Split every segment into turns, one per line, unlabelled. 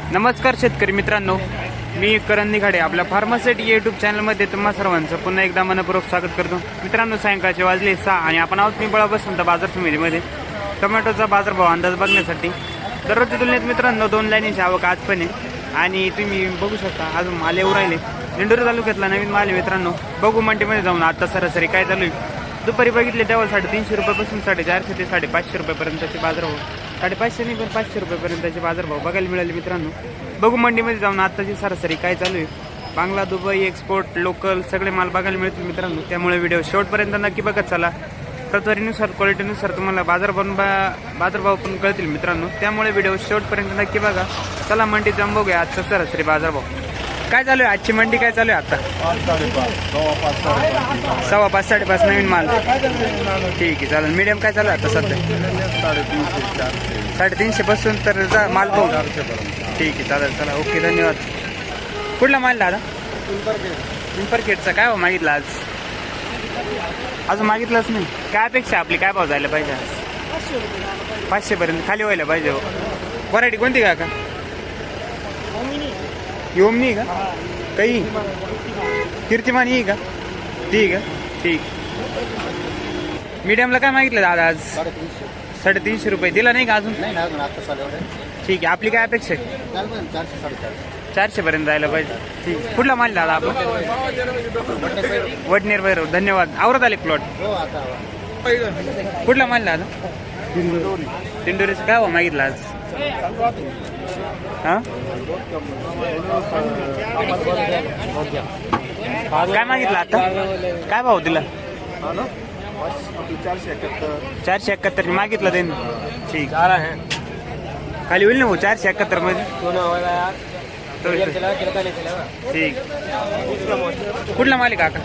नमस्कार शेतकरी मित्रांनो, मी करण निघाडे आपल्या फार्मासिटी यूट्यूब चॅनलमध्ये तुम्हा सर्वांचं पुन्हा एकदा मनपूर्वक स्वागत करतो. मित्रांनो, सायंकाळचे वाजले 6 आणि आपण आहोत पिंपळा बसंत बाजार समितीमध्ये टोमॅटोचा बाजारभाव अंदाज बघण्यासाठी. दररोजच्या तुलनेत मित्रांनो 2 लाईनीची आवक आज पण आहे आणि तुम्ही बघू शकता अजून माल येऊ राहिले. दिंडोरी तालुक्यातला नवीन माल आहे मित्रांनो. बघू मंडीमध्ये जाऊन आता सरासरी काय चालू आहे. दुपारी बघितले तेव्हा 350 रुपयापासून 450 ते 550 रुपयापर्यंतचे बाजारभाव, 550 नाही पण 500 रुपयापर्यंतचे बाजारभाव बघायला मिळाले मित्रांनो. बघू मंडीमध्ये जाऊन आत्ताची सरासरी काय चालू आहे. बांगला, दुबई, एक्सपोर्ट, लोकल सगळे माल बघायला मिळतील मित्रांनो. त्यामुळे व्हिडिओ शेवटपर्यंत नक्की बघत चला. प्रतवारीनुसार क्वालिटीनुसार तुम्हाला बाजारभाव पण कळतील मित्रांनो. त्यामुळे व्हिडिओ शेवटपर्यंत नक्की बघा. चला मंडीत जाऊन बघूया आजचा सरासरी बाजारभाव काय चालू आहे. आजची मंडी काय चालू आहे आता? 5.5 5.5 नवीन माल. ठीक आहे, चालेल. मीडियम काय चालू आहे आता सध्या? 350 पासून तर जा माल पाहू. ठीक आहे, चालेल. चला, ओके, धन्यवाद. कुठला माल दादा? पिंपरखेडचा. काय भाव मागितला आज? अजून मागितलंच नाही. काय अपेक्षा आपली? काय भाव जायला पाहिजे आज? 500 पर्यंत खाली व्हायला पाहिजे. व्हरायटी कोणती का? योमनी का? काही कीर्तिमान ही का? ठीक आहे, ठीक. मीडियमला काय मागितलं दादा आज? 350 रुपये. दिला नाही का अजून? ठीक आहे. आपली काय अपेक्षा आहे? 400 पर्यंत जायला पाहिजे. ठीक. कुठला माल दादा आपला? वडनेर भैरव. धन्यवाद. आवरत आले प्लॉट. कुठला माल दादा? दिंडोरीचं. काय भाव मागितलं आज? हा, काय मागितलं आता? काय भाव दिला? 471 मागितलं त्यांनी. ठीक. खाली होईल ना भाऊ 471 मध्ये? ठीक. कुठला मालिक काका?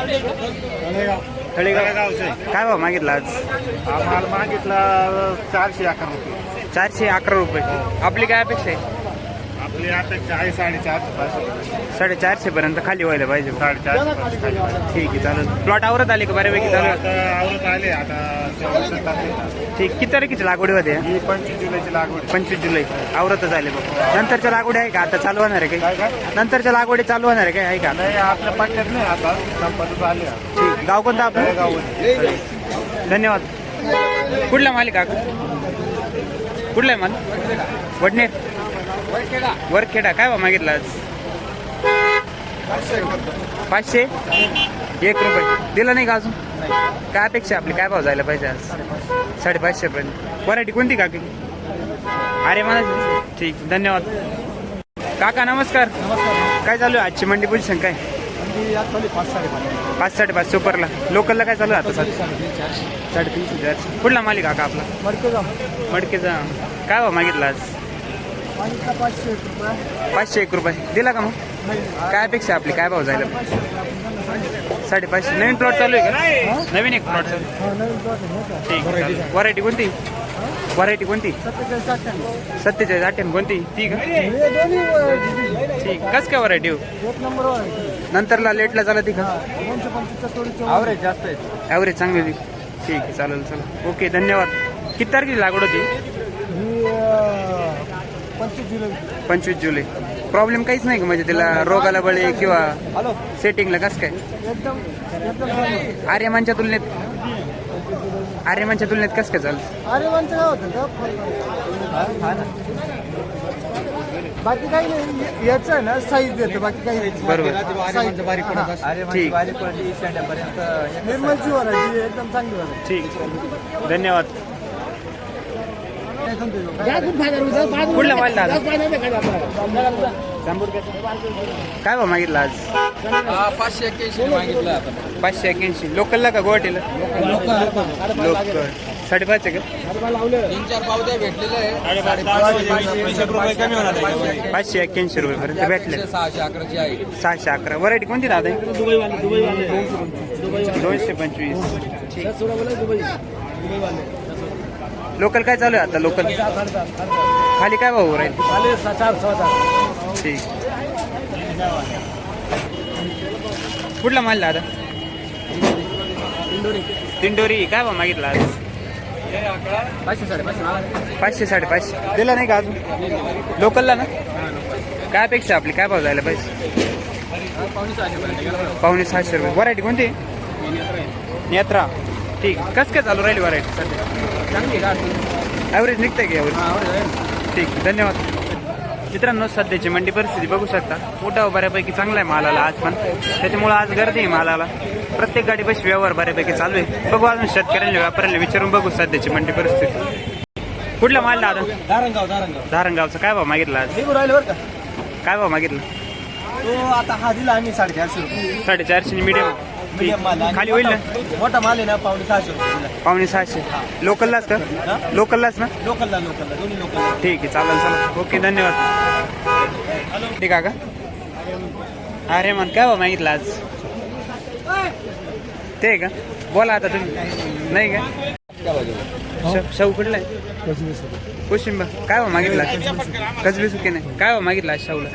तळेगाव. काय भाव मागितला आज?
माल मागितला 411 रुपये.
411 रुपये. आपली काय अपेक्षा आहे?
आपली अपेक्षा आहे 450
450 पर्यंत खाली व्हायला पाहिजे.
450.
ठीक आहे, चालेल. प्लॉट आवरत आले का बऱ्यापैकी? चालू
आता आवरत आले. आता
ठीक. किती तारखेची लागवड होते?
ही 25 जुलैची लागवड.
25 जुलै. आवरतच आले बघ. नंतरच्या लागवडी आहे का? आता चालू होणार आहे काही? नंतरच्या लागवडी चालू होणार आहे काय? आहे का?
नाही, आपल्या पट्ट्यात नाही. आता संपत आले.
ठीक. गाव कोणतं आपलं?
गाव.
धन्यवाद. कुठला मालिक काका? कुठला आहे माल? वडनेर. वरखेडा. काय भाव मागितला आज? 501 रुपये. दिला नाही का अजून? काय अपेक्षा आपली? काय भाव जायला पाहिजे आज? 550 पर्यंत. व्हरायटी कोणती काकी? अरे मला. ठीक, धन्यवाद. काका नमस्कार. काय चालू आहे आजची मंडी पोझिशन? काय 5 5.5 सुपरला. लोकलला काय चालू आहे आता? 350. कुठला मालिक काका आपला? मडकेचा. काय भाव मागितला आज? 501 रुपये. दिला का मग? काय अपेक्षा आपली? काय भाव जायला? 550. नवीन प्लॉट चालू आहे का? नवीन एक प्लॉट चालू. ठीक. व्हरायटी कोणती? व्हरायटी कोणती? 47 18 कोणती? ती का? ठीक. कस काय व्हरायटी हो? नंतरला लेटला झाला ती का?
ॲव्हरेज जास्त आहे.
ॲव्हरेज चांगली होती. ठीक आहे, चालेल. चला, ओके, धन्यवाद. किती तारखेची लागवड होती? 25 जुलै. प्रॉब्लेम काहीच नाही का म्हणजे तिला? रोगाला बळी किंवा सेटिंगला कसं काय? आर्यमानच्या तुलनेत कसं काय चालतं?
बाकी काही नाही. याचं आहे ना साईज देतं. बाकी काही
बरोबर. ठीक.
निर्मलची व्हरायटी एकदम चांगली व्हरायटी.
ठीक, धन्यवाद. कुठला माल दादा? काय भाव मागितला आज?
581 मागितलं.
581. लोकलला का गुवाहाटीला? लोकल. 5.5 आहे का?
3-4 पावत्या भेटलेलं आहे.
581 रुपये पर्यंत भेटले.
611 आहे.
611. व्हरायटी कोणती दादा? 225. लोकल काय चालू आहे आता? लोकल खाली काय भाऊ राहील? ठीक. कुठला माल दादा? दिंडोरी. काय भाव मागितला आज? 500 550 दिला नाही का अजून लोकलला ना काय अपेक्षा आपली काय भाव जायला पाहिजे 500 रुपये व्हरायटी कोणती नेत्रा ठीक कसं काय चालू राहिली व्हरायटी सध्या ॲव्हरेज निघतंय की ॲव्हरेज ठीक धन्यवाद मित्रांनो सध्याची मंडी परिस्थिती बघू शकता मोठा बऱ्यापैकी चांगला आहे मालाला आज पण त्याच्यामुळे आज गर्दी आहे मालाला प्रत्येक गाडी पैसे व्यवहार बऱ्यापैकी चालू आहे बघू अजून शेतकऱ्यांना व्यापाऱ्यांना विचारून बघू सध्याची मंडी परिस्थिती कुठला माल दादा धारणगावचा काय भाव मागितला आज
राहिले बरं का
काय भाव मागितला
तो आता हा दिला आम्ही 450 रुपये
450 मीडियम
मीडियम माल आणि
खाली होईल ना
मोठा माल आहे ना 550 रुपये दिला
550 लोकललाच का लोकललाच ना
लोकलला दोन्ही लोकल
ठीक आहे चालेल ओके धन्यवाद ठीक आहे का अरे मन काय भाव मागितला आज ते आहे का बोला आता तुम्ही नाही का शाहू कुठला आहे कोशिंबा काय भाव मागितला कसबी सुके नाही काय भाव मागितला आज शाहूला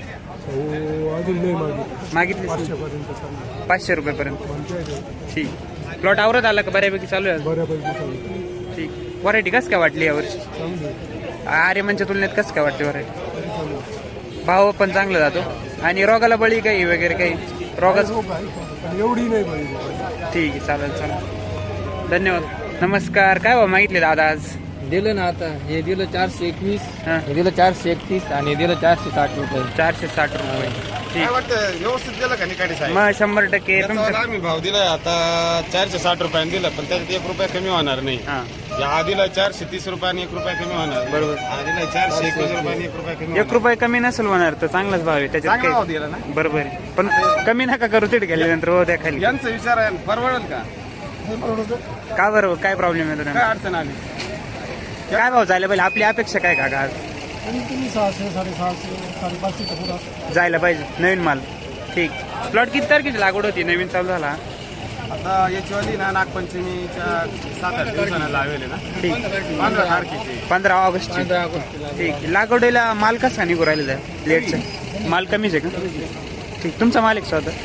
मागितली 500 रुपयेपर्यंत ठीक प्लॉट आवरत आला का बऱ्यापैकी चालू आहे ठीक व्हरायटी कसं काय वाटली यावर्षी आर्यमनच्या तुलनेत कसं काय वाटते व्हरायटी भाव पण चांगला जातो आणि रोगाला बळी काही वगैरे काही रोगाच
एवढी नाही
ठीक आहे चालेल धन्यवाद नमस्कार काय भाव मागितले दादा आज
दिलं ना आता हे दिलं 421
हां
हे दिलं 431 आणि हे दिलं 460 रुपये
460 रुपये ठीक
वाटतं व्यवस्थित दिलं का निकाडी साहेब
मग 100% तुमचं
आम्ही भाव दिलाय आता 460 रुपयाने दिलं पण त्याच्यात 1 रुपया कमी होणार नाही
हां
या आधीला 430 रुपयाने 1 रुपया कमी होणार
बरोबर.
आधीला 421 रुपयाने 1 रुपया कमी
1 रुपये कमी नसेल होणार तर चांगलाच भाव आहे त्याच्यात
चांगला भाव
काही
दिला ना
बरोबर आहे पण कमी नका करू तिथे गेल्यानंतर हो द्या खाली
यांचा विचार आहे परवडेल का
का बरोबर काय प्रॉब्लेम आहे
काय
तुला
अडचण आली
काय भाव जायला पाहिजे आपली अपेक्षा काय काका आज
600 650 550 पुढं
जायला पाहिजे नवीन माल ठीक प्लॉट किती तारखेची लागवड होती नवीन चालू झाला
आता याची वाली ना नागपंचमीच्या 7-8 दिवसानं लावेले ना
ठीक
15 तारखेची
15 ऑगस्ट ठीक लागवडीला माल कसा निघू राहिलेला आहे लेटचा माल कमीच आहे का ठीक तुमचा माल एक स्वतः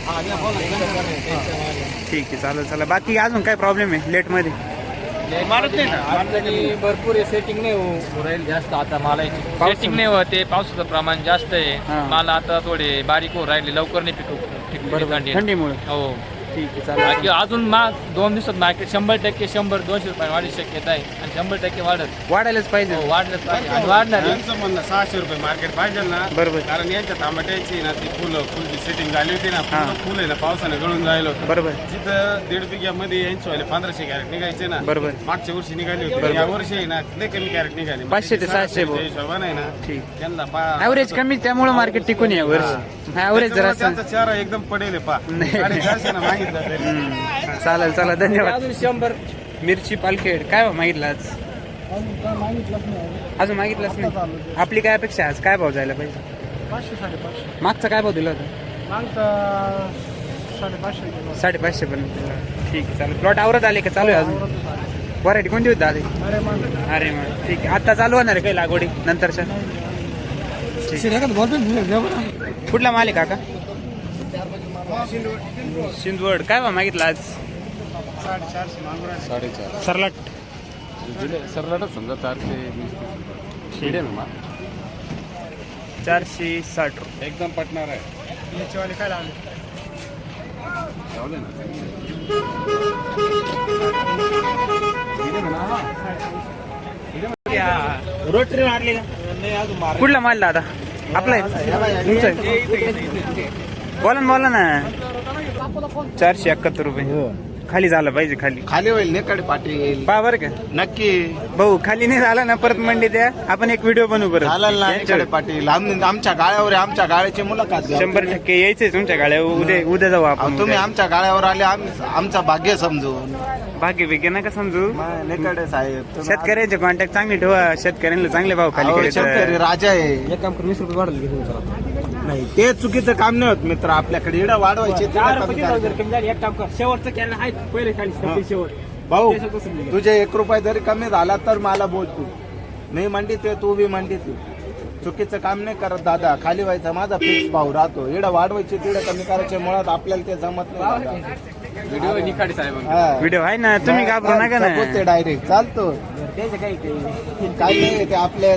ठीक आहे चालेल बाकी अजून काय प्रॉब्लेम आहे लेटमध्ये
मारत नाही ना भरपूर सेटिंग नाही हो राहील जास्त आता मालाची सेटिंग नाही होते पावसाचं प्रमाण जास्त
हा.
आहे माल आता थोडे बारीक हो राहिले लवकर नाही पिकू
बरोबर थंडीमुळे
हो
ठीक आहे चालेल
बाकी अजून 2 दिवसात मार्केट 100% 100-200 रुपये वाढी शक्यता आहे आणि 100% वाढत
वाढायलाच पाहिजे
हो, वाढलंच पाहिजे आणि वाढणार आहे.
यांचं म्हणणं 600 रुपये मार्केट पाहिजे ना
बरोबर.
कारण यांच्या टमाट्याची ना ती फुलची सेटिंग झाली होती ना
हा.
फुल आहे ना पावसाने गळून जायला होतं
बरोबर
जिथं 1.5 बिघ्यामध्ये यांची वाले 1500 कॅरेट निघायचे ना
बरोबर
मागच्या वर्षी निघाली
बरोबर.
होती या वर्षी आहे ना लय कमी कॅरेट निघाली
500 ते 600 भाऊ.
हिशोबाने आहे ना
ठीक
त्यांना
ॲव्हरेज कमी त्यामुळे मार्केट टिकून आहे वर्ष ॲव्हरेज जरा
त्यांचा चेहरा एकदम पडेल आहे पा
नाही.
450 ना मागितलं तरी.
चालेल धन्यवाद
अजून 100
मिरची पालखेड काय भाव मागितला आज अजून मागितलंच नाही आपली काय अपेक्षा आहे आज काय भाव जायला पाहिजे
500 550
मागचा काय भाव दिला होता
मागचा 550
550 पर्यंत ठीक आहे चालेल प्लॉट आवरत आले का चालू आहे अजून व्हरायटी कोणती होती दादा
अरे मान
अरे मग ठीक आहे आता चालू होणार आहे काही लागवडी नंतरच्या कुठला माल आहे काका सिंदवड काय भाव मागितला आज
450 मागून राहिले.
सरलाट
सरलाटच समजा
460 रुपये
एकदम पटणार आहे
याचे वाले काय लावले
रोटरी मारली का कुठला माल दादा आपला आहे तुमचं आहे? बोला ना 471 रुपये खाली झालं पाहिजे
खाली होईल नेकडे पाटील
पहा बरं का
नक्की
भाऊ खाली नाही झाला ना परत मंडी द्या आपण एक व्हिडिओ बनवू परत
झालं ना
यांच्यावर.
नेकडे पाटील आमच्या गाळ्यावर आहे, आमच्या गाळ्याची मुलाखत घ्या.
100% यायचंय तुमच्या गाड्या उद्या जाऊ आपण
तुम्ही
उद्या.
आमच्या गाळ्यावर आले आमचा भाग्य समजून
भाग्य बिग्य नका समजू
नेकडे साहेब तुम्ही
शेतकऱ्यांचे कॉन्टॅक्ट चांगले ठेवा शेतकऱ्यांना चांगले भाव खाली
अहो,
करायचे.
शेतकरी राजा आहे
एक काम कर 20 रुपये वाढले घेऊन
नाही ते चुकीचं काम नाही होत मित्र आपल्याकडे इडं वाढवायचे तिकडं कमी करायचे.
एक काम कर शेवटचं केलं आहे पहिले खाली शेवट
भाऊ तुझे 1 रुपये जरी कमी झाला तर मला बोल तू मी मंडीत आहे तू बी मंडीत आहे. चुकीचं काम नाही करत दादा खाली व्हायचा माझा फिक्स भाव राहतो इडं वाढवायचे तिडं कमी करायचे मुळात आपल्याला ते जमत नाही दादा.
व्हिडिओ निखाडे साहेब
व्हिडिओ आहे ना, तुम्ही घाबरू नका ना.
बोलते डायरेक्ट चालतो काय नाही ते आपल्या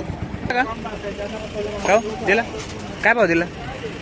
हो दिला, काय भाव दिला?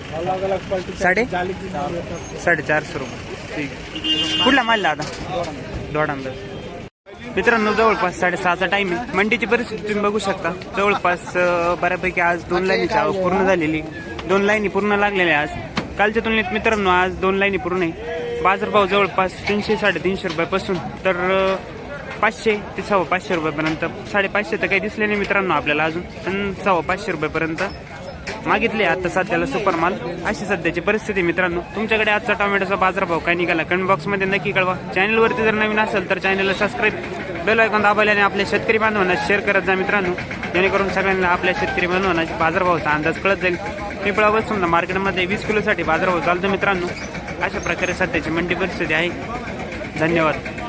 450 रुपये. ठीक. कुठला माल आता? दोडांबा. मित्रांनो जवळपास 6:30चा टाइम आहे. मंडीची परिस्थिती तुम्ही बघू शकता. जवळपास बऱ्यापैकी आज 2 लाईनीची आवक पूर्ण झालेली, 2 लाईनी पूर्ण लागलेल्या आज. कालच्या तुलनेत मित्रांनो आज 2 लाईनी पूर्ण आहे. बाजारभाव जवळपास 300-350 रुपयापासून तर 500 ते 550 रुपयापर्यंत. 550 तर काही दिसले नाही मित्रांनो आपल्याला अजून, पण 550 रुपयापर्यंत मागितले आता सध्याला सुपर माल. अशी सध्याची परिस्थिती मित्रांनो. तुमच्याकडे आजचा टोमॅटोचा बाजारभाव काय निघाला कमेंट बॉक्समध्ये नक्की कळवा. चॅनलवरती जर नवीन असेल तर चॅनलला सबस्क्राईब, बेल आयकॉन दाबायला आणि आपल्या शेतकरी बांधवांना शेअर करत जा मित्रांनो, जेणेकरून सगळ्यांना आपल्या शेतकरी बांधवांना बाजारभावाचा अंदाज कळत जाईल. पिंपळा बसून मार्केटमध्ये 20 किलोसाठी बाजारभाव चालतो मित्रांनो. अशा प्रकारे सध्याची मंडी परिस्थिती आहे. धन्यवाद.